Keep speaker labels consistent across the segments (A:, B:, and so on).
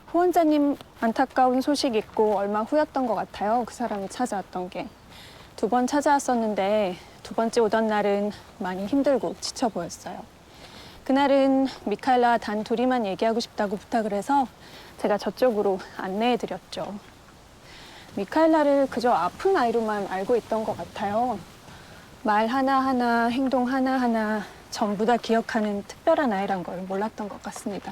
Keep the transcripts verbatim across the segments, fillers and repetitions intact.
A: 후원자님 안타까운 소식 있고 얼마 후였던 것 같아요. 그 사람이 찾아왔던 게. 두 번 찾아왔었는데 두 번째 오던 날은 많이 힘들고 지쳐 보였어요. 그날은 미카엘라와 단 둘이만 얘기하고 싶다고 부탁을 해서 제가 저쪽으로 안내해드렸죠. 미카엘라를 그저 아픈 아이로만 알고 있던 것 같아요. 말 하나하나, 행동 하나하나 전부 다 기억하는 특별한 아이란 걸 몰랐던 것 같습니다.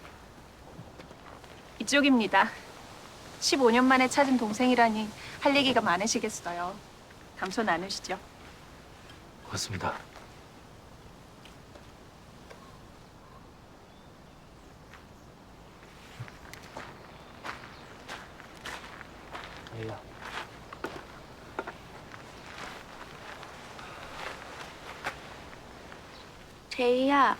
A: 이쪽입니다. 십오 년 만에 찾은 동생이라니 할 얘기가 많으시겠어요. 담소 나누시죠.
B: 고맙습니다. 얘야.
C: 제이야,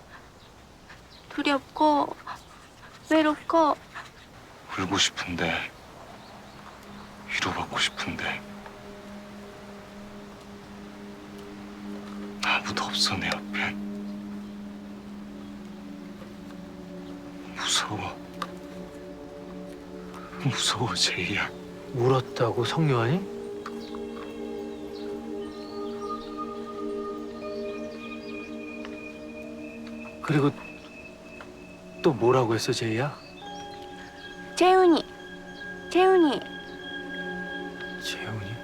C: 두렵고 외롭고
D: 울고 싶은데, 위로받고 싶은데 아무도 없어 내 옆에. 무서워. 무서워 제이야.
B: 울었다고 성요한이? 그리고 또 뭐라고 했어, 제이야?
C: 재훈이, 재훈이.
B: 재훈이?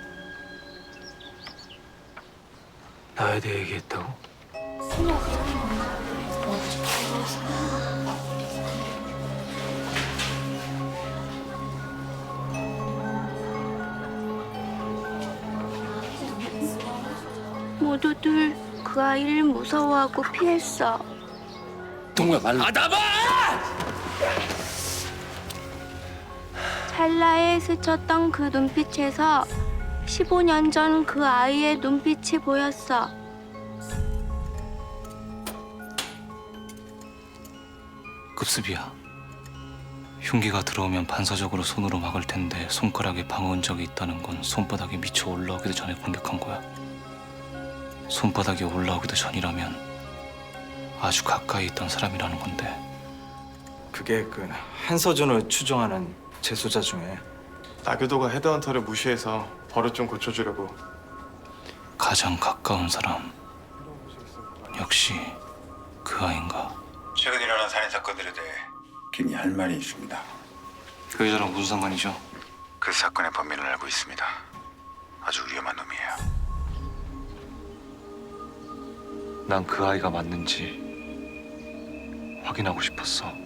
B: 나에 대해 얘기했다고?
C: 모두들 그 아이를 무서워하고 피했어.
B: 동우야 말로. 아담아!
C: 찰나에 스쳤던 그 눈빛에서 십오 년 전 그 아이의 눈빛이 보였어.
D: 급습이야. 흉기가 들어오면 반사적으로 손으로 막을 텐데 손가락에 방어 흔적이 있다는 건 손바닥이 미쳐 올라오기도 전에 공격한 거야. 손바닥이 올라오기도 전이라면 아주 가까이 있던 사람이라는 건데.
E: 그게 그 한서준을 추종하는 재소자 중에
F: 나교도가 헤드헌터를 무시해서 버릇 좀 고쳐주려고.
D: 가장 가까운 사람. 역시 그 아인가.
G: 최근 일어난 살인 사건들에 대해 긴히 할 말이 있습니다.
D: 그 여자랑 무슨 상관이죠?
G: 그 사건의 범인을 알고 있습니다. 아주 위험한 놈이에요.
D: 난 그 아이가 맞는지 확인하고 싶었어.